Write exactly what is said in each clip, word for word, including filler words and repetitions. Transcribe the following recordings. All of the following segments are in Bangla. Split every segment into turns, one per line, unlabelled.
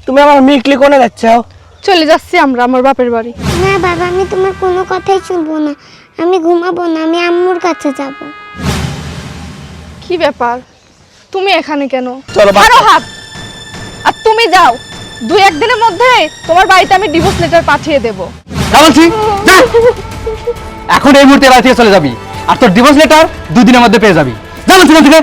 তুমি আমার মিকলি কোনে যাচ্ছো?
চলে যাচ্ছি আমরা আমার বাপের বাড়ি।
না বাবা, আমি তোমার কোনো কথাই শুনবো না। আমি ঘুমাবো না, আমি আম্মুর কাছে যাব।
কি ব্যাপার, তুমি এখানে কেন?
চলো
আরো হাত। আর তুমি যাও, দুই একদিনের মধ্যে তোমার বাড়িতে আমি ডিভোর্স লেটার পাঠিয়ে দেব।
বলছি যা, এখন এই মুহূর্তে বাড়ি থেকে চলে যাবি, আর তোর ডিভোর্স লেটার দুই দিনের মধ্যে পেয়ে যাবি। যা বলছি থেকে।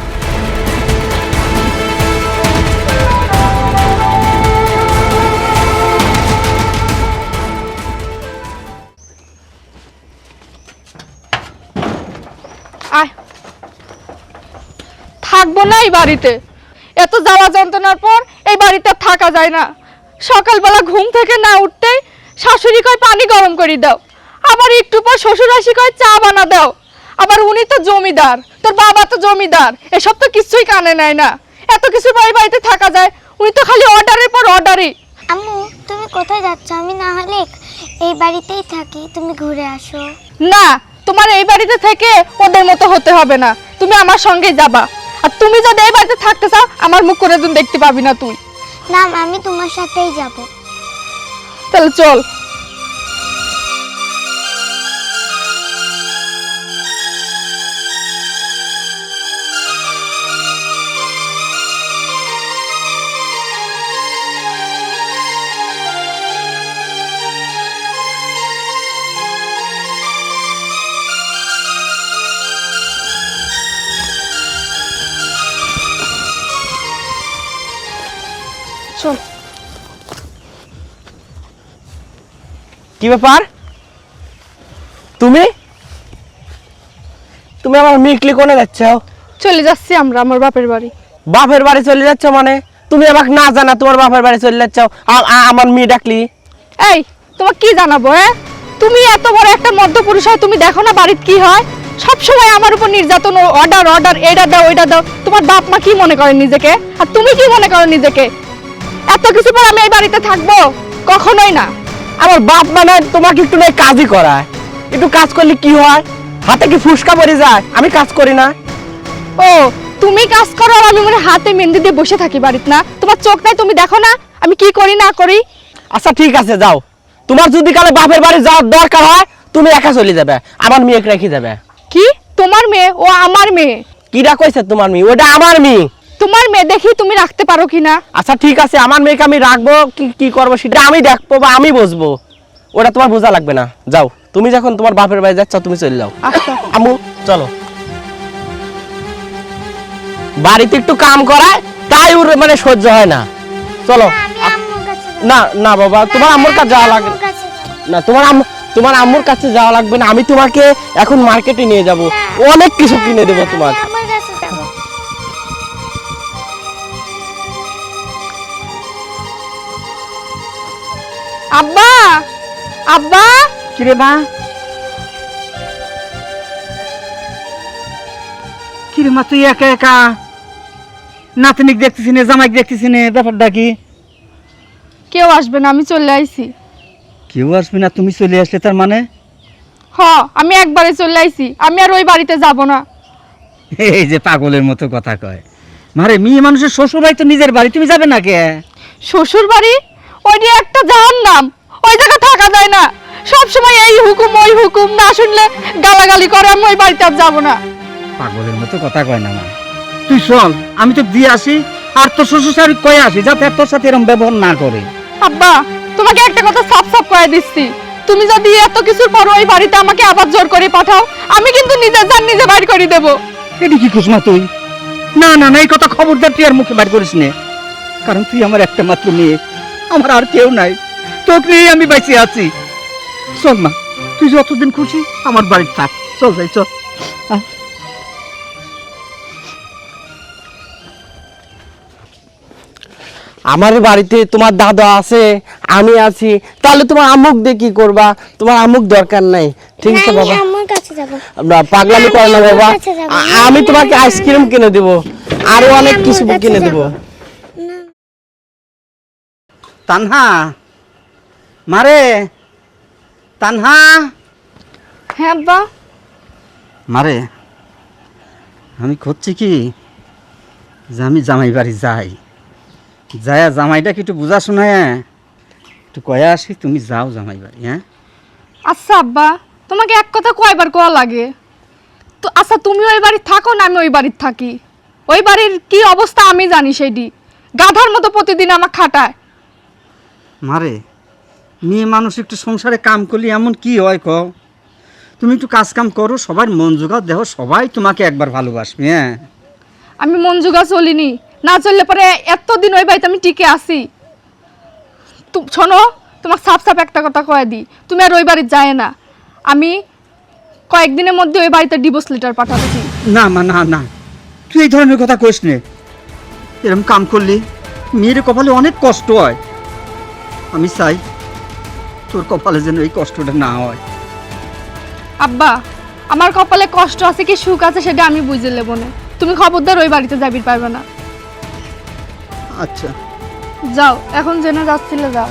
আয়, থাকবো না এই বাড়িতে। এত জ্বালা যন্ত্রণার পর এই বাড়িতে আর থাকা যায় না। সকালবেলা ঘুম থেকে না উঠতেই শাশুড়ি কয় পানি গরম করে দাও, আবার একটু পর শ্বশুর আসি কয় চা বানা দাও। আবার উনি তো জমিদার, তোর বাবা তো জমিদার, এসব তো কিছুই কানে নেয় না। এত কিছু বাড়ি বাড়িতে থাকা যায়? উনি তো খালি অর্ডারের পর অর্ডারই।
আম্মু, তুমি কোথায় যাচ্ছ? আমি না হলে এই বাড়িতেই থাকি, তুমি ঘুরে আসো।
না, তোমার এই বাড়িতে থেকে ওদের মতো হতে হবে না, তুমি আমার সঙ্গে যাবা। আর তুমি যদি এই বাড়িতে থাকতে চাও, আমার মুখ করে তুমি দেখতে পাবি না তুই।
না, আমি তোমার সাথেই যাব।
তাহলে চল। চল।
কি ব্যাপার? তুমি তুমি আমার মিকলি কোনে যাচ্ছো?
চলে যাচ্ছি আমরা আমার বাপের বাড়ি।
বাপের বাড়ি চলে যাচ্ছ মানে? তুমি আমাকে না জানা তোমার বাপের বাড়ি চলে যাচ্ছ, আ- আ- আমার মেয়ে ডাকলি?
এই, তোমার কি জানাবো? হ্যাঁ, তুমি এত বড় একটা মধ্যপুরুষ হয়, তুমি দেখো না বাড়িতে কি হয়? সব সময় আমার উপর নির্যাতন, অর্ডার অর্ডার, এইটা দাও ওইটা দাও। তোমার বাপ মা কি মনে করে নিজেকে, আর তুমি কি মনে করো নিজেকে? এত কিছু পর আমি এই বাড়িতে থাকবো? কখনোই না।
আমার বাপ মানে তোমাকে একটু নাই কাজই করায়। একটু কাজ করলে কি হয়? হাতে কি ফুসকা পড়ে যায়? আমি কাজ করি না?
ও, তুমি কাজ করো আর আমি মনে হাতে মেহেন্দি দিয়ে বসে থাকি বাড়িতে? না, তোমার চোখ নাই, তুমি দেখো না আমি কি করি না করি?
আচ্ছা ঠিক আছে, যাও। তোমার যদি কালে বাপের বাড়ি যাওয়ার দরকার হয়, তুমি একা চলে যাবে, আমার মেয়েকে রেখে যাবে।
কি তোমার মেয়ে? ও আমার মেয়ে।
কিরা কইছে তোমার মেয়ে? ওটা আমার মেয়ে।
তোমার মেয়ে দেখি তুমি রাখতে পারো কিনা।
আচ্ছা ঠিক আছে, আমার মেয়েকে আমি রাখবো কি কি করবো সেটা আমি দেখবো বা আমি বুঝবো, ওটা তোমার বোঝা লাগবে না। যাও, তুমি যখন তোমার বাপের বাড়ি যাচ্ছ তুমি চলে যাও।
আচ্ছা
আম্মু চলো। বাড়িতে একটু কাম করায় তাই ওর মানে সহ্য হয় না। চলো।
আমি আম্মুর কাছে যাব।
না না বাবা, তোমার আম্মুর কাছে যাওয়া লাগবে
আম্মুর কাছে যাব।
না। তোমার আম্মু তোমার আম্মুর কাছে যাওয়া লাগবে না, আমি তোমাকে এখন মার্কেটে নিয়ে যাব, অনেক কিছু কিনে দেবো তোমার।
আমি আম্মুর কাছে যাব।
আব্বা, আব্বা।
কিরে মা? কিরে মা, তুই একা একা? নাতনিক দেখতেছি না, জামাইক দেখতেছি না, ব্যাপারটা কি?
কেউ আসবে না, আমি চলে আইছি।
কেউ আসবে না? তুমি চলে আসলে তার মানে?
হ, আমি একবারে চলে আইছি, আমি আর ওই বাড়িতে যাব না।
এই যে পাগলের মতো কথা কয়। মারে, মেয়ে মানুষের শ্বশুর বাড়ি তো নিজের বাড়ি, তুমি যাবে না কে?
শ্বশুর বাড়ি ওইটি একটা জাহান্নাম, ওই জায়গা থাকা যায় না। সব সময় এই হুকুম ওই হুকুম, না শুনলে গালাগালি করে, আমি ওই বাড়িতে আর যাবো না।
পাগলের মতো কথা কয় না মা। তুই চল, আমি তো দিয়ে আসি, আর তোর শ্বশুর শাশুড়ি কয়ে আসি যাতে আর তোর সাথে এরকম ব্যবহার না করে।
আব্বা, তোমাকে একটা কথা সাফ সাফ করে দিচ্ছি, তুমি যদি এত কিছুর পর ওই বাড়িতে আমাকে আবার জোর করে পাঠাও, আমি কিন্তু নিজের জান নিজে বাইর করে দেবো।
এটি কি কুসমা তুই? না না না, এই কথা খবরদার তুই আর মুখে বার করিস নে, কারণ তুই আমার একটা মাত্র মেয়ে, আমার আর কেউ নাই, তোকে নিয়ে আমি বেঁচে আছি। চল মা, তুই যতদিন খুশি আমার বাড়িতে থাক। চল যাই, চল। আহ,
আমার বাড়িতে তোমার দাদা আছে, আমি আছি, তাহলে তোমার আম্মুক দিয়ে কি করবা? তোমার আম্মুক দরকার নাই। ঠিক আছে
না, আমি
বাবা,
আম্মুর কাছে যাব।
আমরা পাগলামি করে না বাবা।
কাছে যাবো।
আ- আমি তোমাকে আইসক্রিম কিনে দেবো, আরো
আমি
অনেক
আম্মুর
কিছু
কাছে
কিনে
যাবো।
দেবো।
না।
তানহা, মারে তানহা।
হ্যাঁ আব্বা।
মারে, আমি খুঁজছি কি যে আমি জামাই বাড়ি যাই, যায়া জামাইটাকে একটু বুঝা শোনায় একটু কয়া আসি, তুমি যাও জামাই বাড়ি। হ্যাঁ
আচ্ছা আব্বা, তোমাকে এক কথা কয়বার কোয়া লাগে? তো আচ্ছা, তুমি ওই বাড়ির থাকো না আমি ওই বাড়ির থাকি, ওই বাড়ির কি অবস্থা আমি জানি। সেইটি গাধার মতো প্রতিদিন আমার খাটায়।
মারে, মেয়ে মানুষ একটু সংসারে কাম করলে এমন কি হয় কও? তুমি একটু কাজ কাম করো, সবার মন জোগাও, দেখো সবাই তোমাকে একবার ভালোবাসবে। হ্যাঁ
আমি মন জোগা চলিনি, না চললে পরে এতদিন ওই বাড়িতে আমি টিকে আসি। তু- শোনো, তোমার সাপ সাপ একটা কথা কয়ে দিই, তুমি আর ওই বাড়ির যায় না। আমি কয়েকদিনের মধ্যে ওই বাড়িতে ডিভোর্স লেটার পাঠাচ্ছি।
না মা, না না, তুই এই ধরনের কথা কইস নে। এরকম কাম করলে মেয়ের কপালে অনেক কষ্ট হয়। আমি চাই তোর কপালে যেন এই কষ্টটা না হয়।
আব্বা, আমার কপালে কষ্ট আছে কি সুখ আছে সেটা আমি বুঝে নেবো না। তুমি খবরদার ওই বাড়িতে যাবির পারবে না।
আচ্ছা
যাও, এখন জেনে যাচ্ছিলে যাও।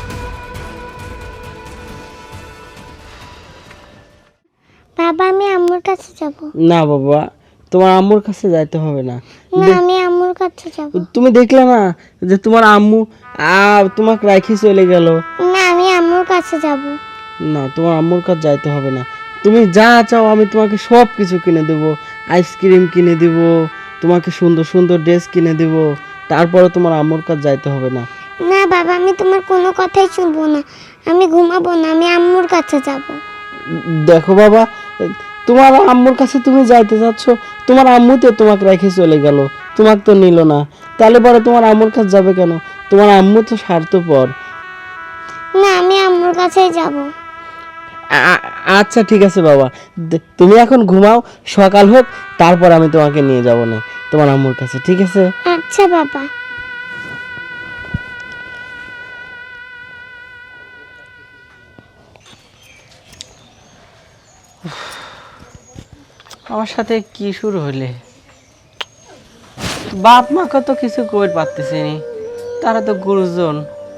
বাবা আমি আম্মুর কাছে যাব।
না বাবা, তোমার আম্মুর কাছে যাইতে হবে না।
না আমি আম্মুর কাছে যাব।
তুমি দেখলে না যে তোমার আম্মু আ তোমাকে রাখি চলে গেল।
না আমি আম্মুর কাছে যাব।
না, তোমার আম্মুর কাছে যাইতে হবে না। তুমি যা চাও আমি তোমাকে সব কিছু কিনে দেবো। আইসক্রিম কিনে দিব, তোমাকে সুন্দর সুন্দর ড্রেস কিনে দেব। তারপরে তোমার আম্মুর কাছে যাইতে হবে না।
না বাবা, আমি তোমার কোনো কথাই শুনবো না। আমি ঘুমাবো না, আমি আম্মুর কাছে যাব।
দেখো বাবা, তোমার আম্মুর কাছে তুমি যাইতে চাচ্ছ, তোমার আম্মু তো তোমাকে রেখে চলে গেল, তোমাকে তো নিল না। তাহলে পরে তোমার আম্মুর কাছে যাবে কেন? তোমার আম্মু তো স্বার্থপর।
না আমি আম্মুর কাছেই যাব।
আ- আচ্ছা ঠিক আছে বাবা, দে- তুমি এখন ঘুমাও, সকাল হোক তারপর আমি তোমাকে নিয়ে যাবো না তোমার আম্মুর কাছে, ঠিক আছে?
আচ্ছা বাবা।
আমার সাথে কি শুরু হইলে? বাপ মাকে তো কিছু কই পারতেছি নি, তারা তো গুরুজন।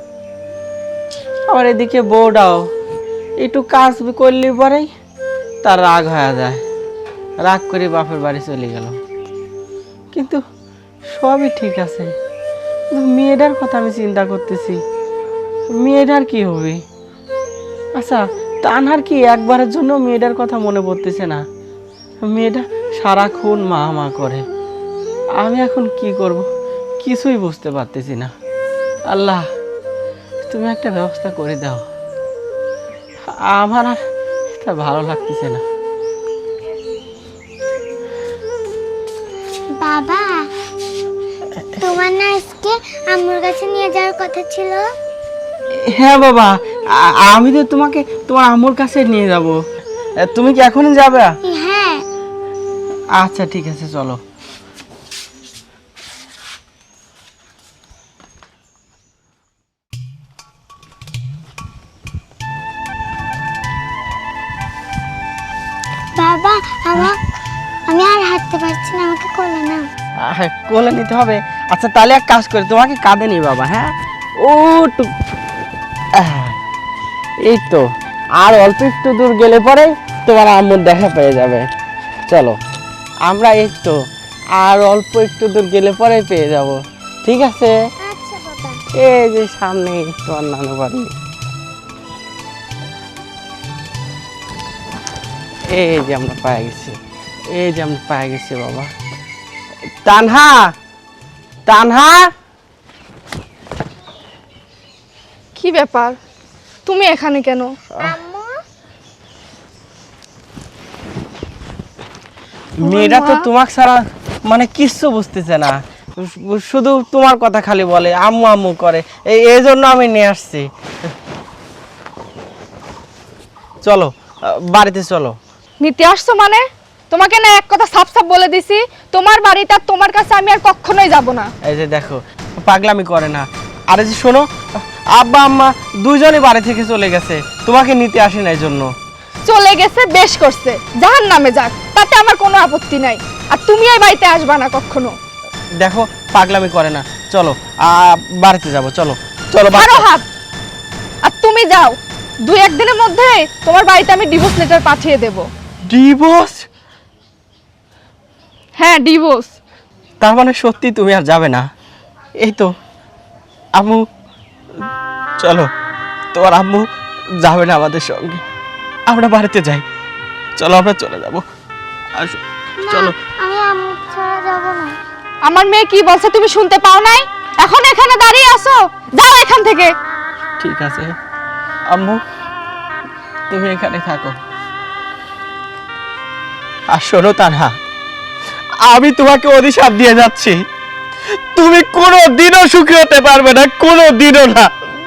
আবার এদিকে বউটাও একটু কাজ করলে পরেই তার রাগ হয়ে যায়, রাগ করে বাপের বাড়ি চলে গেল। কিন্তু সবই ঠিক আছে, কিন্তু মেয়েটার কথা আমি চিন্তা করতেছি, মেয়েটার কি হবে? আচ্ছা, তানহার কি একবারের জন্য মেয়েটার কথা মনে পড়তেছে না? মেয়েটা সারাক্ষণ মা মা করে। আমি এখন কি করব কিছুই বুঝতে পারতেছি না। আল্লাহ, তুমি একটা ব্যবস্থা করে দাও, আমার আর এটা ভালো লাগতেছে না।
বাবা, তোমার না আজকে আম্মুর কাছে নিয়ে যাওয়ার কথা ছিল?
হ্যাঁ বাবা, আ- আমি তো তোমাকে তোমার আম্মুর কাছে নিয়ে যাব। তুমি কি এখনই যাবে?
হ্যাঁ।
আচ্ছা ঠিক আছে, চলো।
বাবা, আমার আমি আর হাঁটতে পারছি না, আমাকে কোলে নাও।
আহ, কোলে নিতে হবে? আচ্ছা তাহলে এক কাজ করে তোমাকে কাঁধে নি বাবা। হ্যাঁ, ও টু- আহ, এই তো আর অল্প একটু দূর গেলে পরে তোমার আম্মুর দেখা পেয়ে যাবে। চলো, আমরা এই তো আর অল্প একটু দূর গেলে পরে পেয়ে যাব, ঠিক আছে?
আচ্ছা বাবা।
এই যে সামনে তোমার নানু বাড়ি। এই যে আমরা পায়ে গেছি, এই যে আমরা পায়ে গেছি বাবা। তানহা, তানহা,
কি ব্যাপার, তুমি এখানে কেন?
আম্মু,
মেয়েটা তো
মা?
তোমাকে ছাড়া মানে কিচ্ছু বুঝতেছে না, শুধু তোমার কথা খালি বলে, আম্মু আম্মু করে। এই এই জন্য আমি নিয়ে আসছি। চলো আহ, বাড়িতে চলো।
নিতে আসছো মানে? তোমাকে না এক কথা সাফ সাফ বলে দিছি, তোমার বাড়িতে আর তোমার কাছে আমি আর কখনোই যাব না।
এই যে দেখো, পাগলামি করে না। আরে যে শোনো, আব্বা আম্মা দুইজনই বাড়ি থেকে চলে গেছে, তোমাকে নিতে আসে না এই জন্য।
চলে গেছে, বেশ করছে, জাহান নামে যাক, তাতে আমার কোনো আপত্তি নাই। আর তুমি এই বাড়িতে আসবা না কখনো।
দেখো পাগলামি করে না, চলো আহ, বাড়িতে যাব, চলো চলো
আরো
বাড়ি-
হাত। আর তুমি যাও, দুই একদিনের মধ্যে তোমার বাড়িতে আমি ডিভোর্স লেটার পাঠিয়ে দেব।
ডিভোর্স?
হ্যাঁ, ডিভোর্স।
তার মানে সত্যি তুমি আর যাবে না? এই তো আম্মু চলো, তোমার আম্মু যাবে না আমাদের সঙ্গে, আমরা বাড়িতে যাই। চলো আমরা চলে যাব, আসো চলো।
আমি আম্মু ছাড়া যাব না।
আমার মেয়ে কি বলছে তুমি শুনতে পাও নাই? এখন এখানে দাঁড়িয়ে আছো, যাও এখান থেকে।
ঠিক আছে আম্মু, তুমি এখানে থাকো। আর শোনো তানহা, আমি তোমাকে অভিশাপ দিয়ে যাচ্ছি, তুমি কোনো দিনও সুখী হতে পারবে না, কোনো দিনও না।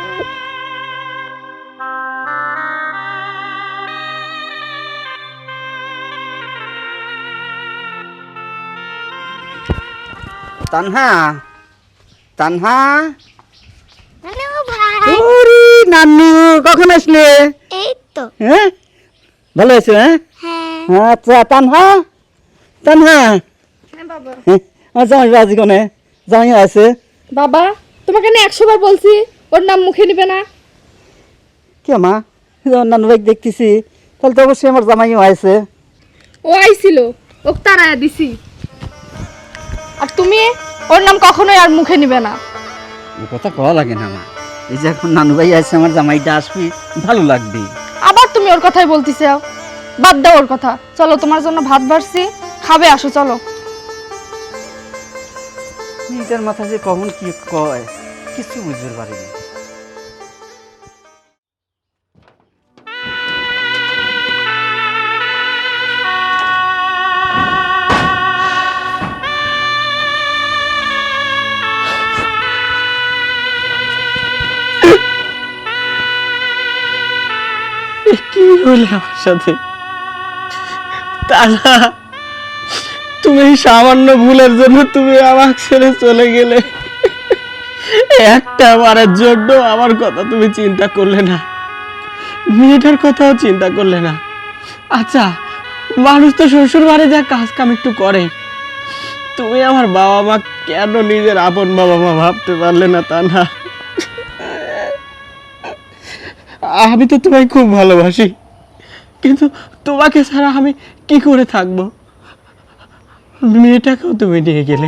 তানহা, তানহা,
নানু ভাই,
ওরে নানু, কখন আসলে?
এই তো।
হ্যাঁ, ভালো আছো? হ্যাঁ,
হ্যাঁ,
আচ্ছা। তানহা, তানহা,
হ্যাঁ বাবা।
হ্যাঁ, আমার জামাই বাজি কোনে? জামাই আছে?
বাবা, তোমাকে না একশো বার বলছি ওর নাম মুখে নিবে না।
কে মা, যখন নানু ভাই দেখতেছি, তাহলে তো অবশ্যই আমার জামাইও আছে।
ও আইছিল, ওক তারায়া দিছি। আর তুমি ওর নাম কখনোই আর মুখে নিবে না।
ও কথা কওয়া লাগে না মা, এই যে এখন নানু ভাই আছে, আমার জামাইটা আসবি, ভালো লাগবে।
আবার তুমি ওর কথাই বলতেছো, বাদ দাও ওর কথা। চলো, তোমার জন্য ভাত বাড়ছি, খাবে, আসো চলো।
এটার মাথা যে কখন কি কয় কিছু বুঝতে পারিনি।
কি হলো আমার সাথে? তানা, তুমি এই সামান্য ভুলের জন্য তুমি আমার ছেড়ে চলে গেলে, একটা বারের জন্য আমার কথা তুমি চিন্তা করলে না, মেয়েটার কথাও চিন্তা করলে না। আচ্ছা, মানুষ তো শ্বশুর বাড়ি যা কাজ কাম একটু করে, তুমি আমার বাবা মা কেন নিজের আপন বাবা মা ভাবতে পারলে না? তা না, আমি তো তোমায় খুব ভালোবাসি, কিন্তু তোমাকে ছাড়া আমি কি করে থাকবো? মেয়েটাকেও তুমি নিয়ে গেলে,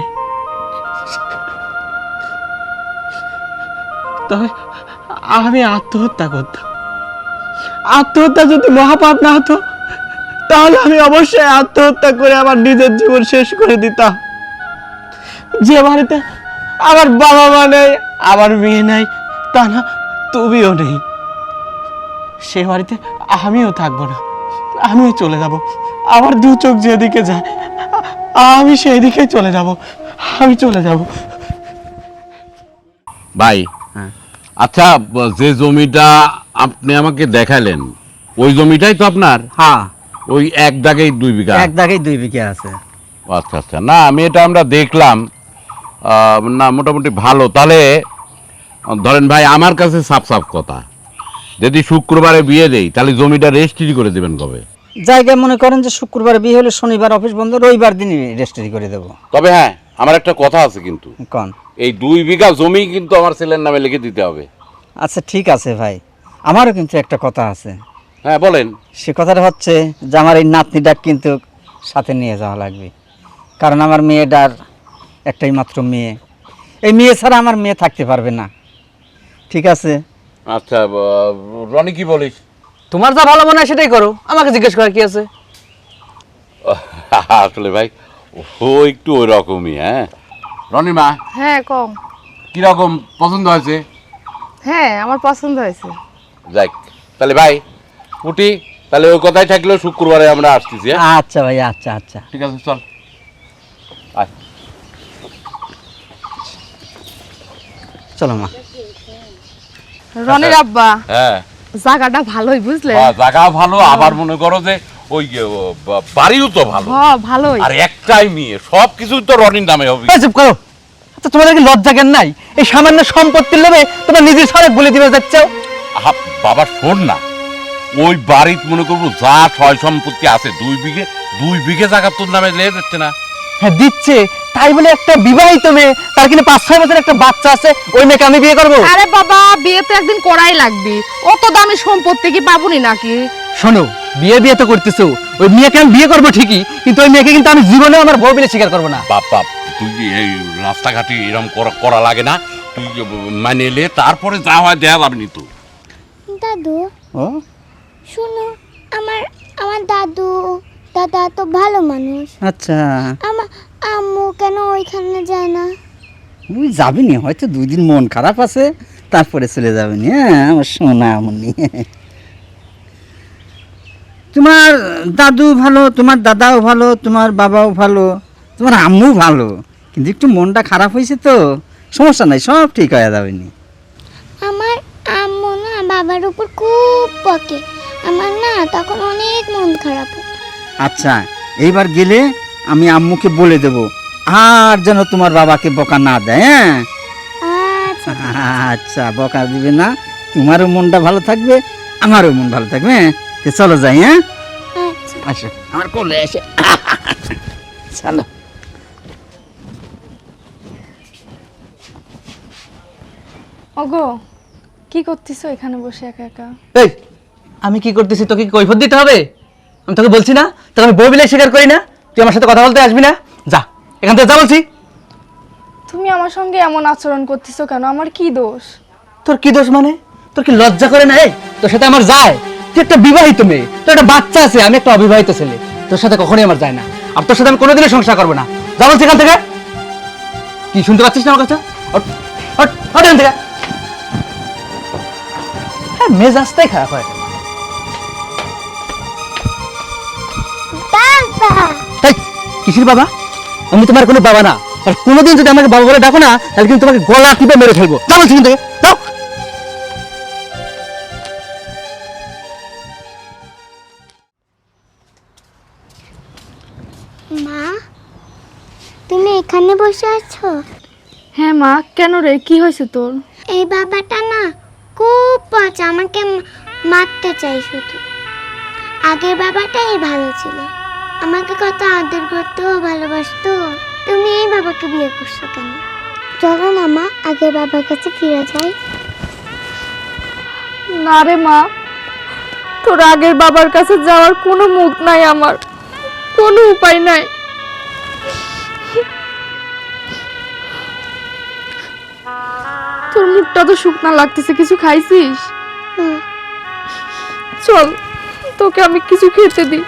তবে আমি আত্মহত্যা করতাম। আত্মহত্যা যদি মহাপাপ না হতো, তাহলে আমি অবশ্যই আত্মহত্যা করে আমার নিজের জীবন শেষ করে দিতাম। যে বাড়িতে আমার বাবা মা নেই, আমার মেয়ে নাই, তা না তুমিও নেই, সে বাড়িতে আমিও থাকবো না, আমিও চলে যাব। আমার দু চোখ যেদিকে যায় আমি সেই দিকে চলে যাব, আমি চলে যাব।
ভাই,
হ্যাঁ।
আচ্ছা, যে জমিটা আপনি আমাকে দেখালেন ওই জমিটাই তো আপনার?
হ্যাঁ,
ওই এক দাগেই দুই বিঘা?
এক দাগেই দুই বিঘা আছে।
আচ্ছা আচ্ছা, না আমি এটা আমরা দেখলাম, আহ, না মোটামুটি ভালো। তাহলে ধরেন ভাই, আমার কাছে সাফ সাফ কথা, যদি শুক্রবারে বিয়ে দেই তাহলে জমিটা রেজিস্ট্রি করে দেবেন কবে?
জায়গায় মনে করেন যে শুক্রবার বিয়ে হলে শনিবার অফিস বন্ধ, রবিবার দিনই রেজিস্ট্রি করে দেবো।
তবে হ্যাঁ, আমার একটা কথা আছে কিন্তু,
কোন?
এই দুই বিঘা জমি কিন্তু আমার ছেলের নামে লিখে দিতে হবে।
আচ্ছা ঠিক আছে ভাই, আমারও কিন্তু একটা কথা আছে।
হ্যাঁ বলেন।
সে কথাটা হচ্ছে যে আমার এই নাতনিটা কিন্তু সাথে নিয়ে যাওয়া লাগবে, কারণ আমার মেয়েটার একটাই মাত্র মেয়ে, এই মেয়ে ছাড়া আমার মেয়ে থাকতে পারবে না। ঠিক আছে?
আচ্ছা, রনি কি বলিস?
তোমার যা ভালো মনে হয় সেটাই করো, আমাকে জিজ্ঞেস করার কি আছে?
আসলে ভাই ও একটু ওই রকমই। হ্যাঁ রনি মা,
হ্যাঁ কম।
কিরকম পছন্দ হয়েছে?
হ্যাঁ আমার পছন্দ হয়েছে।
যাক, তাহলে ভাই উঠি, তাহলে ওই কথাই থাকলেও শুক্রবারে আমরা আসতেছি। হ্যাঁ
আচ্ছা ভাই, আচ্ছা আচ্ছা
ঠিক আছে, চল আয়।
চলো মা।
রনির আব্বা,
হ্যাঁ
জায়গাটা ভালোই বুঝলে।
বা জায়গা ভালো, আবার মনে করো যে ওই যে, ও, বা- বাড়িও তো ভালো,
হ্যাঁ ভালোই।
আর একটাই মেয়ে, সব কিছু তো রনির নামে হবে।
এই চুপ করো। আচ্ছা, তোমাদের কি লজ্জা জ্ঞান নাই? এই সামান্য সম্পত্তির লোভে তোমরা নিজের সড়ক বলে দিবে যাচ্ছ।
আহা, বাবা শোন না, ওই বাড়ির মনে করবো যা ছয় সম্পত্তি আছে, দুই বিঘে দুই বিঘে জায়গা তোর নামে লেগে যাচ্ছে না?
হ্যাঁ দিচ্ছে, তাই বলে একটা বিবাহিত মেয়ে, তার কিনা পাঁচ ছয় বছর একটা বাচ্চা আছে, ওই মেয়েকে আমি বিয়ে করবো?
আরে বাবা, বিয়ে তো একদিন করাই লাগবে, অত দামি সম্পত্তি কি পাবনি নাকি?
শোনো, বিয়ে বিয়ে তো করতেছো, ওই মেয়েকে আমি বিয়ে করবো ঠিকই, কিন্তু ওই মেয়েকে কিন্তু আমি জীবনে আমার বউ বলে স্বীকার করবো না।
বাপ বাপ, তুই কি এই রাস্তাঘাটে এরকম করা করা লাগে না? তুই মানে এলে তারপরে যা হয় দেয়া যাবনি তো।
দাদু
ও
শুনো, আমার আমার দাদু দাদা তো ভালো মানুষ।
আচ্ছা,
আমার আম্মু কেন ওইখানে যায় না?
তুই যাবি নি, হয়তো দুই দিন মন খারাপ আছে, তারপরে চলে যাবি নি। হ্যাঁ আমার সোনা মনি, তোমার দাদু ভালো, তোমার দাদাও ভালো, তোমার বাবাও ভালো, তোমার আম্মু ভালো, কিন্তু একটু মনটা খারাপ হয়েছে তো, সমস্যা নাই, সব ঠিক হয়ে যাবে নি।
আমার আম্মু না বাবার উপর খুব বকে, আমার না তখন অনেক মন খারাপ হয়।
আচ্ছা, এইবার গেলে আমি আম্মুকে বলে দেব, আর যেন তোমার বাবাকে বকা না দেয়। হ্যাঁ
আচ্ছা
আচ্ছা, বকা দিবে না, তোমারও মনটা ভালো থাকবে, আমারও মন ভালো থাকবে। হ্যাঁ তো চলো যাই। হ্যাঁ
আচ্ছা।
আসো আমার কোলে এসে, চলো।
ওগো, কি করতেছো এখানে বসে একা একা?
এই আমি কি করতেছি তোকে কি কৈফিয়ত দিতে হবে? আমি তোকে বলছি না, তোকে আমি বই বিলে স্বীকার করি না, তুই আমার সাথে কথা বলতে আসবি না, যা এখান থেকে যা বলছি।
তুমি আমার সঙ্গে এমন আচরণ করতেছো কেন? আমার কি দোষ?
তোর কি দোষ মানে? তোর কি লজ্জা করে না? এই তোর সাথে আমার যায়? তুই একটা বিবাহিত মেয়ে, তোর একটা বাচ্চা আছে, আমি একটা অবিবাহিত ছেলে, তোর সাথে কখনোই আমার যায় না, আর তোর সাথে আমি কোনোদিনও সংসার করবো না। যা বলছি এখান থেকে। কি শুনতে পাচ্ছিস না আমার কাছে? হট, হট, হট এখান থেকে। হ্যাঁ, মেজাজটাই খারাপ হয়।
বাবা
তাই কিসির বাবা? আমি তোমার কোনো বাবা না, আর কোনোদিন যদি আমাকে বাবা বলে ডাকো না, তাহলে কিন্তু তোমাকে গলা টিপে মেরে ফেলবো। যা বলছি কিন্তু, যাও।
মা, তুমি এখানে বসে আছো?
হ্যাঁ মা, কেন রে, কি হয়েছে তোর?
এই বাবাটা না খুব পচা, আমাকে মা- মারতে চাই শুধু। আগের বাবাটাই ভালো ছিল, আমাকে কত আদর করতো, ভালোবাসতো। তুমি এই বাবাকে বিয়ে করছো কেন? চলো না মা, আগের বাবার কাছে ফিরে যাই।
না রে মা, তোর আগের বাবার কাছে যাওয়ার কোনো মুখ নাই, আমার কোনো উপায় নাই। তোর মুখটা তো শুকনা লাগতেছে, কিছু খাইছিস?
হুম,
চল, তোকে আমি কিছু খেতে দিই।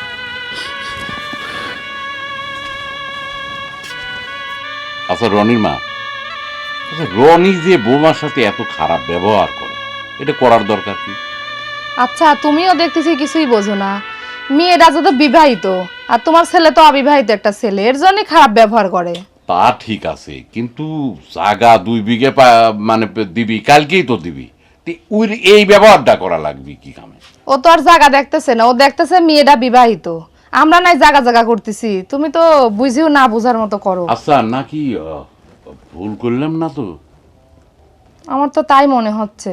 আচ্ছা রনির মা, আচ্ছা রনি যে বৌমার সাথে এত খারাপ ব্যবহার করে, এটা করার দরকার কি?
আচ্ছা, তুমিও দেখতেছি কিছুই বোঝো না। মেয়েরা যত বিবাহিত, আর তোমার ছেলে তো অবিবাহিত একটা ছেলে, এর জন্যই খারাপ ব্যবহার করে।
তা ঠিক আছে, কিন্তু জাগা দুই বিঘে পা- মানে দিবি, কালকেই তো দিবি, তে ওই এই ব্যবহারটা করা লাগবে কি কামে?
ও তো আর জায়গা দেখতেছে না, ও দেখতেছে মেয়েটা বিবাহিত, আমরা নাই জায়গা জায়গা করতেছি। তুমি তো বুঝিও না বুঝার মতো করো।
আচ্ছা নাকি আহ, ভুল করলাম না তো?
আমার তো তাই মনে হচ্ছে।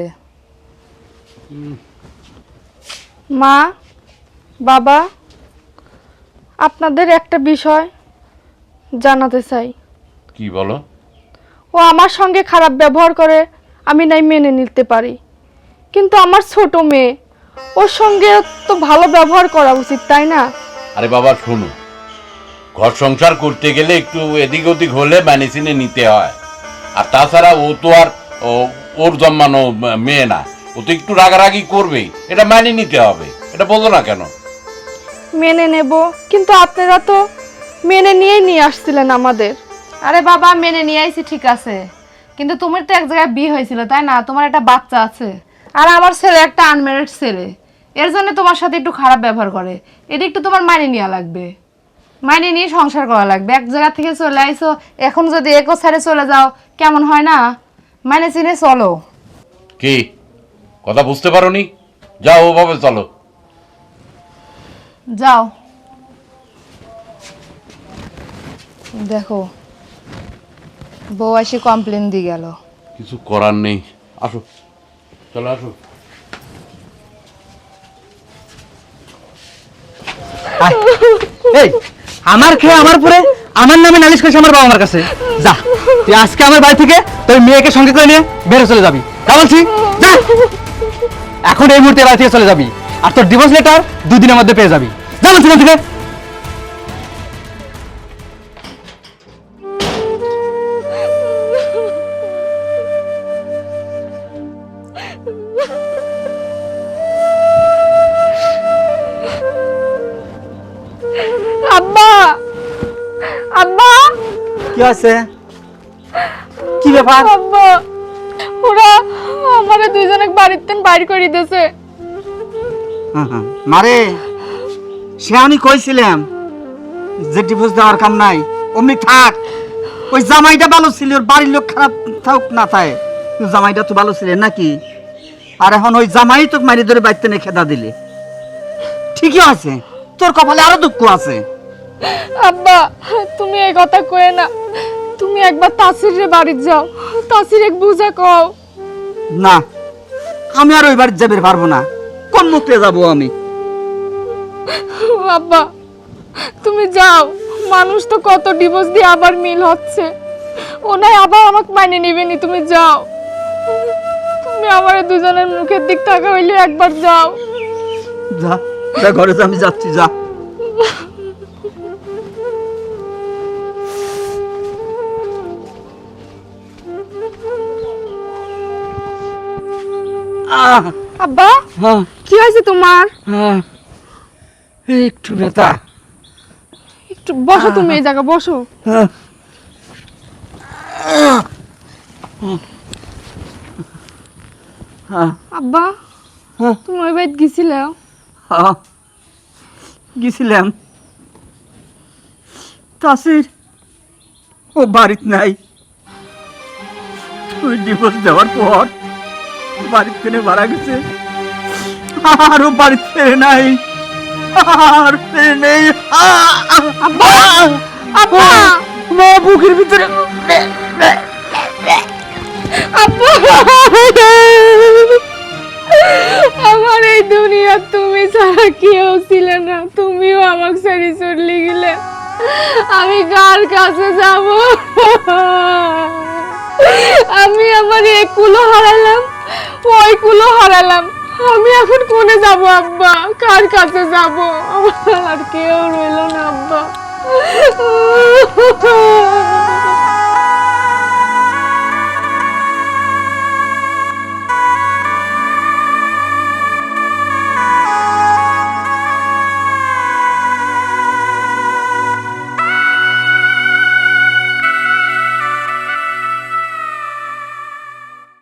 মা, বাবা, আপনাদের একটা বিষয় জানাতে চাই।
কি বলো?
ও আমার সঙ্গে খারাপ ব্যবহার করে, আমি নাই মেনে নিতে পারি, কিন্তু আমার ছোট মেয়ে, ওর সঙ্গে তো ভালো ব্যবহার করা উচিত, তাই না?
আরে বাবা শোনো, ঘর সংসার করতে গেলে একটু এদিক ওদিক হলে মানে চিনে নিতে হয়, আর তাছাড়া ও তো আর ও- ওর জন্মানো মেয়ে না, ও তো একটু রাগারাগি করবেই, এটা মানে নিতে হবে, এটা বলো না কেন?
মেনে নেব, কিন্তু আপনারা তো মেনে নিয়ে নিয়ে আসছিলেন আমাদের।
আরে বাবা, মেনে নিয়ে আইছি ঠিক আছে, কিন্তু তোমার তো এক জায়গায় বিয়ে হয়েছিল তাই না? তোমার একটা বাচ্চা আছে, আর আমার ছেলে একটা আনম্যারিড ছেলে, এর জন্য তোমার সাথে একটু খারাপ ব্যবহার করে। এটা একটু তোমার মানিয়ে নেওয়া লাগবে, মানিয়ে নিয়ে সংসার করা লাগবে। এক জায়গা থেকে চলে আইসো, এখন যদি একো ছেড়ে চলে যাও কেমন হয় না? মানে চিনে চলো।
কি কথা বুঝতে পারোনি? যাও ওভাবে চলো।
যাও। দেখো বউ এসে কমপ্লেন দিয়ে গেল।
কিছু করার নেই, আসো, চলো আসো।
আয়। এই আমার খেয়ে আমার পরে আমার নামে নালিশ করেছে আমার বাবা মার কাছে। যা তুই আজকে আমার বাড়ি থেকে তোর মেয়েকে সঙ্গে করে নিয়ে বেরো চলে যাবি, তা বলছি যা। এখন এই মুহূর্তে বাড়ি থেকে চলে যাবি, আর তোর ডিভোর্স লেটার দুদিনের মধ্যে পেয়ে যাবি। যা বলছি না থেকে।
আব্বা আব্বা
কি আছে? কি ব্যাপার?
আব্বা ওরা আমারে দুইজনে বাড়িতে বাইর করে দিয়েছে।
মারে সে আমি কইছিলাম যে ডিভোর্স দেওয়ার কাম নাই, অমনি থাক। ওই জামাইটা ভালো ছিল, ওর বাড়ির লোক খারাপ থাক না থাকে, জামাইটা তো ভালো ছিল নাকি? আর এখন ওই জামাই তো মারি ধরে বাড়িতে নিয়ে খেদা দিলে। ঠিকই আছে, তোর কপালে আরো দুঃখ আছে।
আব্বা তুমি এই কথা কয়ে না, তুমি একবার তাসিরের বাড়ি যাও, তাসির এক বুঝা কও।
না, আমি আর ওই বাড়ি যাবে পারবো না। কোন মুখে যাবো আমি?
আব্বা তুমি যাও, মানুষ তো কত ডিভোর্স দিয়ে আবার মিল হচ্ছে, ও নাই আবার আমাকে মানে নিবেনি। তুমি যাও, তুমি আমার দুজনের মুখের দিক তাকা হইলে একবার যাও।
যা যা, ঘরে যা, আমি যাচ্ছি, যা। আহ,
আব্বা
হ্যাঁ,
কি হয়েছে তোমার?
হ্যাঁ, একটু ব্যথা।
একটু বসো, তুমি এই জায়গা বসো।
হ্যাঁ, হ্যাঁ,
আব্বা
হ্যাঁ,
তুমি ওই বাড়িতে গেছিলে?
হ্যাঁ, গেছিলাম। তাসির ও বাড়িতে নাই। ওই ডিভোর্স দেওয়ার পর বাড়িতে ফিরে মারা গেছে, আর ও বাড়িতে ফেরে নাই, আর ফেরে নেই।
আব্বা আব্বা
মা বুকের ভিতরে।
আব্বা আমার এই দুনিয়া তুমি ছাড়া কেউ ছিল না, তুমিও আমাকে ছেড়ে চলে গেলে। আমি কার কাছে যাব? আমি আমার এক কুলো হারালাম, ওই কুলো হারালাম, আমি এখন কোনে যাব আব্বা? কার কাছে যাব? আমার আর কেউ রইল না আব্বা।